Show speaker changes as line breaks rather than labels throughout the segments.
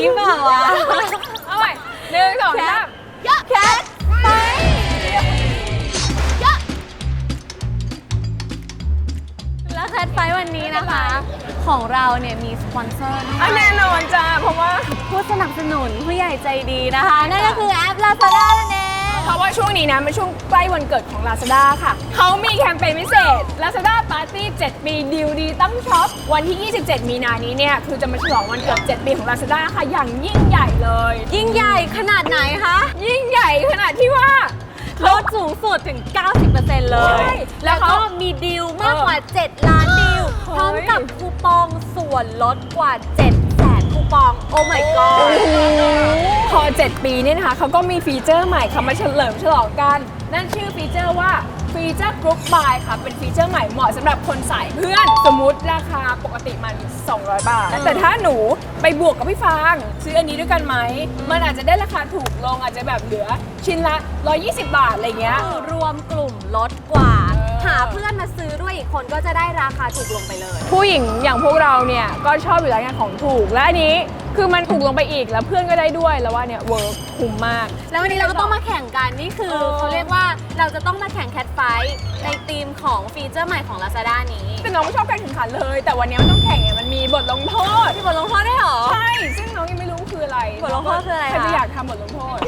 นี้เปล่าวะ
เอาใหม่1 2 3
แคทไฟแล้วแคทไฟวันนี้นะคะ ของเราเนี่ยมีสปอนเซอร์ด้วย
แน่นอนจ้าเพราะว่า
ผู้สนับสนุนผู้ใหญ่ใจดีนะคะ นั่นก็คือแอป Lazada นั่นเอง
เพราะว่าช่วงนี้นะเป็นช่วงใกล้วันเกิดของ Lazada ค่ะเขามีแคมเปญพิเศษ Lazada Party 7 ปีดีลดีต้องช็อปวันที่ 27 มีนานี้เนี่ยคือจะมาฉลองวันเกิด 7 ปีของ Lazada ค่ะอย่างยิ่งใหญ่เลย
ยิ่งใหญ่ขนาดไหนคะ
ยิ่งใหญ่ขนาดที่ว่า
ลดสูงสุดถึง 90% เลย
ใช่แล้
แล้ว
ว
ก็
เขา
มีดีลมากกว่า 7 ล้านดีล
เฮ้ย
พร้อมกับคูปองส่วนลดกว่า 700,000 คูปอง โอ้ my god
พอ 7 ปีเนี่ยนะคะเขาก็มีฟีเจอร์ใหม่ค่ะมาเฉลิมฉลองกัน นั่นชื่อฟีเจอร์ว่าฟีเจอร์กรุ๊ปบายค่ะเป็นฟีเจอร์ใหม่เหมาะสำหรับคนสายเพื่อน สมมุติราคาปกติมัน200 บาท แต่ถ้าหนูไปบวกกับพี่ฟางซื้ออันนี้ด้วยกันไหมมันอาจจะได้ราคาถูกลงอาจจะแบบเหลือชิ้นละ120 บาทอะไรเงี้ย
คือรวมกลุ่มลดกว่า
เออ
หาเพื่อนมาซื้อด้วยอีกคนก็จะได้ราคาถูกลงไปเลย
ผู้หญิงอย่างพวกเราเนี่ยก็ชอบอยู่แล้วงานของถูกและอันนี้คือมันถูกลงไปอีกแล้วเพื่อนก็ได้ด้วยแล้วว่าเนี่ยเวิร์คคุ้มมาก
แล้ววันนี้เราก็ต้องมาแข่งกันนี่คือเขาเรียกว่าเราจะต้องมาแข่งแคทไฟท์ในธีมของฟีเจอร์ใหม่ของ Lazada นี้
แต่น้องไม่ชอบการแข่งขันเลย แต่วันนี้มันต้องแข่งไงมันมีบทลงโทษ
มีบทลงโทษได้วยเหรอ
ใช่ซึ่งน้องยังไม่รู้คืออะไร
บทลงโทษคืออะไรคะ
ใครจะอยากทำบทลงโทษ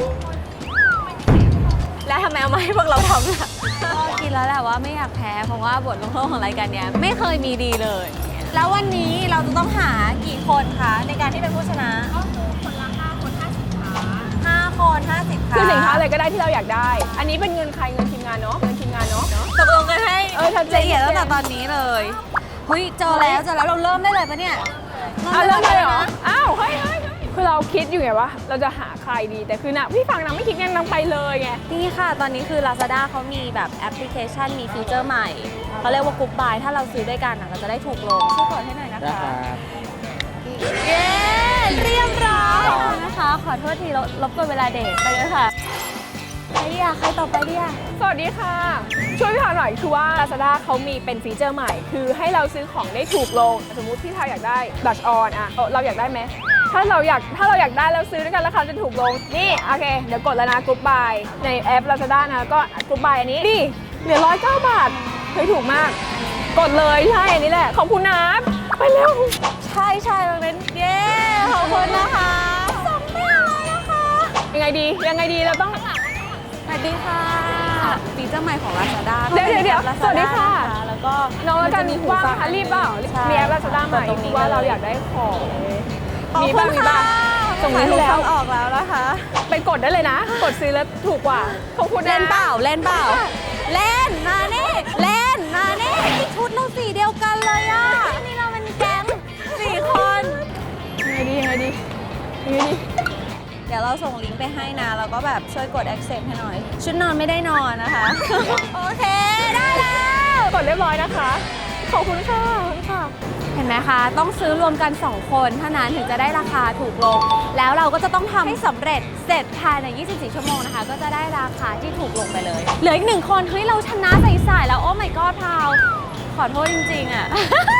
และทำไมเอามาให้พวกเราทำล่ะก็คิดแล้วแหละว่าไม่อยากแพ้เพราะว่าบทลงโทษของรายการเนี้ยไม่เคยมีดีเลย แล้ววันนี้เราจะต้องหากี่คนคะในการที่เป็นผู้ชนะก็คือคนละ5 คน50 ขา5 คน 50 ขา
คือสินค้าอะไรก็ได้ที่เราอยากได้ อันนี้เป็นเงินใครเงินทีมงานเนาะเงินทีมงานเนาะ
ตกลงกันให้
ชัดเจน
ละเอียดตั้งแต่ตอนนี้เลยเฮ้ยเจอแล้วเราเริ่มได้เลยปะเนี่ย
เริ่มเลยเหรออ้าวเฮ้ยคือเราคิดอยู่ไงว่าเราจะหาใครดีแต่คือนะพี่ฟังนางไม่คิดไงนางไปเลยไง
นี่ค่ะตอนนี้คือ Lazada เขามีแบบแอปพลิเคชันมีฟีเจอร์ใหม่เขาเรียกว่ากรุ๊ปบายถ้าเราซื้อด้วยกันเราจะได้ถูกลงช่วยกดให้หน่อยนะคะเย้เรียบร้อยนะคะ ขอโทษทีรบกวนเวลาเดทไปเลยค่ะใครดีอะใครต่อไปดีอะ
สวัสดีค่ะ ช่วยพี่พาหน่อยคือว่า Lazada เขามีเป็นฟีเจอร์ใหม่ คือให้เราซื้อของได้ถูกลง สมมุติพี่ทาอยากได้บัชออนอะเราอยากได้ไหมถ้าเราอยากได้แล้วซื้อด้วยกันราคาจะถูกลงนี่โอเคเดี๋ยวกดแล้วนะกรุ๊ปบายในแอป Lazada นะก็กรุ๊ปบายอันนี้ดิเหลือ109 บาทเฮ้ยถูกมาก กดเลยใช่อันนี้แหละขอบคุณนะไปเร็ว
ใช่ตรงนั้นเย้ขอบคุณนะคะส่งไม่เอานะคะ
ยังไงดีเราต้อง
สวัสดีค่ะฟีเจอร์ใหม่ของ Lazada
เดี๋ยว
Lazada
สวัสดีค่ะ
นแล้วก็
น้องแล้วกัน
มัจะมีหู
ว่าง
ฟัง
คะรีบเปล่า
ใช่
มีแอป Lazada ใหม่
ตรงนี้
คือว่าเราอยากได้ของ
ขอบ
มี
คุ
บ้าง
ณ
มี
ค่ะ
บ้างส่งนี้
หู
แล้
ฟั
ว
งออกแล้วนะคะ
ไปกดได้เลยนะ กดซื้อแล้วถูกกว่าขอบคุณนะ
เล่นเปล่าเล่นมานี่เล่นมานี่ชุดเราสีเดียวกันเลยอ่ะนี่เราเป็นแก๊ง4 คน
ยังไงดี
เดี๋ยวเราส่งลิงก์ไปให้นะ แล้วก็แบบช่วยกด accept ให้หน่อย ชุดนอนไม่ได้นอนนะคะ โอเค ได้แล้ว
กดเรียบร้อยนะคะ ขอบคุณค่ะ
เห็นไหมคะ ต้องซื้อรวมกัน 2 คนเท่านั้นถึงจะได้ราคาถูกลง แล้วเราก็จะต้องทำให้สำเร็จเสร็จภายใน 24 ชั่วโมงนะคะ ก็จะได้ราคาที่ถูกลงไปเลย เหลืออีก 1 คน เฮ้ย เราชนะใส่ๆแล้ว โอ้ my god พาวขอโทษจริงๆอ่ะ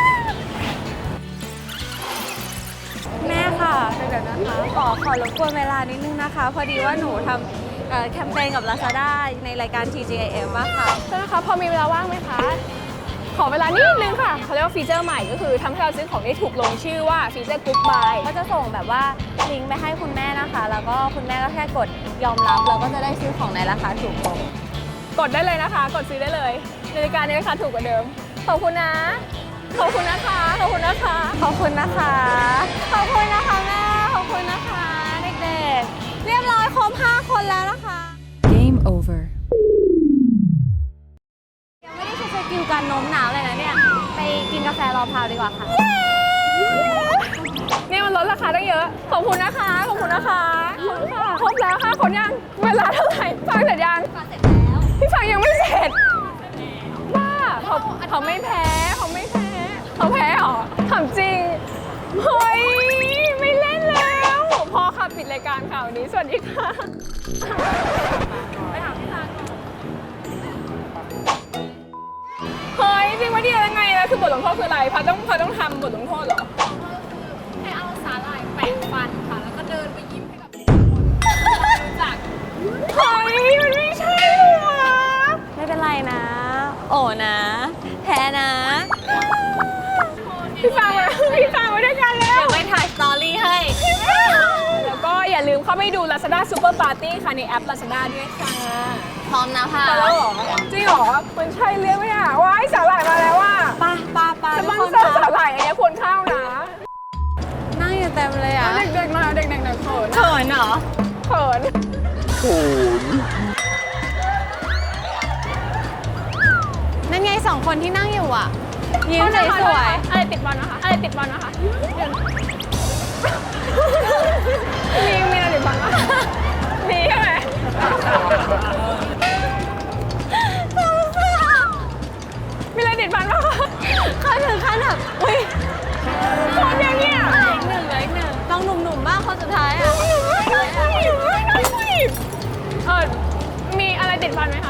แม่ค่ะเดี๋ยวนะคะขอรบกวนเวลานิดนึงนะคะ พอดีว่าหนูทำแคมเปญกับ Lazada ในรายการ TGIF อะค่ะ
ใช่ไหมคะพอมีเวลาว่างไหมคะ ขอเวลานิดนึงค่ะเขาเรียกว่าฟีเจอร์ใหม่ก็คือทำให้เราซื้อของได้ถูกลงชื่อว่าฟีเจอร์กรุ๊ปบาย
ก็จะส่งแบบว่าลิงก์ไปให้คุณแม่นะคะ แล้วก็คุณแม่ก็แค่กดยอมรับแล้วก็จะได้ซื้อของในราคาถูกลง
กดได้เลยนะคะ กดซื้อได้เลยในรายการในราคาถูกกว่าเดิม ขอบคุณนะ ขอบคุณนะคะ
ขอบคุณนะคะ ขอบคุณนะคะแม่ ขอบคุณนะคะเด็กๆ เรียบร้อยครบ5 คนแล้วนะคะ
Game over.
ยังไม่ได้ใช้สกิลการโน้มน้าวเลยนะเนี่ย ไปกินกาแฟรอพาวดีกว่าค่ะ
นี่มันลดราคาได้เยอะ ขอบคุณนะคะ ขอบคุณนะคะครบแล้วค่ะคนยัง เวลาเท่าไหร่ฟังเสร็จยังเสร็จแล้วพี่ฟังยังไม่เสร็จบ้าเขาไม่แพ้เขาแพ้เหรอถามจริง เฮ้ย ไม่เล่นแล้ว พอค่ะปิดรายการข่าวนี้ สวัสดีค่ะ ไปหาพี่ทางเฮ้ยจริงว่าดียังไงนะคือบทลงโทษคืออะไรพาต้องทำบทลงโทษเหรอให้เอาสาหร่ายแปะฟันค่ะ แล้วก็เดินไปยิ้มให้กับคนรู้จักเฮ้ยมันไม่ใช่หรอ
ไม่เป็นไรนะ โอ้นะแพ้นะ
พี่ฟังมาด้วยกันแล้ว
เดี๋ยวไปถ่ายสตอรี่ให้
แล้วก็อย่าลืมเข้าไปดู Lazada Super Party ค่ะในแอป Lazada ด้วยค่ะ
พร้อมนะค่ะ
มาแล้วเหรอ จริงเหรอ มันใช่เรียกไหมอ่ะว้ายสาหร่ายมาแล้วอ่ะ
ปา
ส
ทุ
ป
ก
อน
คน
เซอร์
คะ
สาหร่ายอันนี้ควรเข้านะ
นั่งอยู่เต็มเลยอ่ะ
เด็กๆมาเด็กๆเขิน
เขินเหรอ
เขิน
นั่นไงสองคนที่นั่งอยู่อ่ะ ยิ้มสวย
อะไรติดบอลนะคะอะไรติดบอลนะคะมีอะไรติดบอลวะมีใช่ไหมมีอะไรติดบอลวะ
ๆเขาถึงขั้นแบบอุ้ย
คนอย่างเงี้ย
เหลืออีกหนึ่งต้องหนุ่มๆบ้างคนสุดท้ายอ่ะ
มีอะไรติดฟันไหมคะ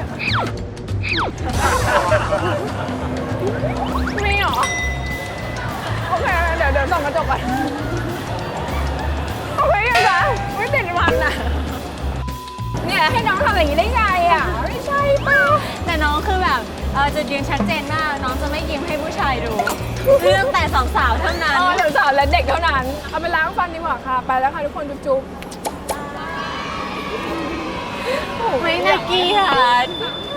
มีเหรอ โอเค เดี๋ยวส่องกระจกก่อนโอเคยังคะไม่ติดฟันอ่ะ เนี่ยให้น้องทำอย่างนี้ได้ไงอ่ะ ไม่ใช่เปล่า
แต่น้องคือแบบจุดยืนชัดเจนมาก น้องจะไม่ยิ้มให้ผู้ชายดูเรื่องแต่สองสาวเท่านั้น
สาวๆและเด็กเท่านั้น เอาไปล้างฟันดีกว่าค่ะ ไปแล้วค่ะทุกคนจุ๊บๆ
ไม่น่าเกลียด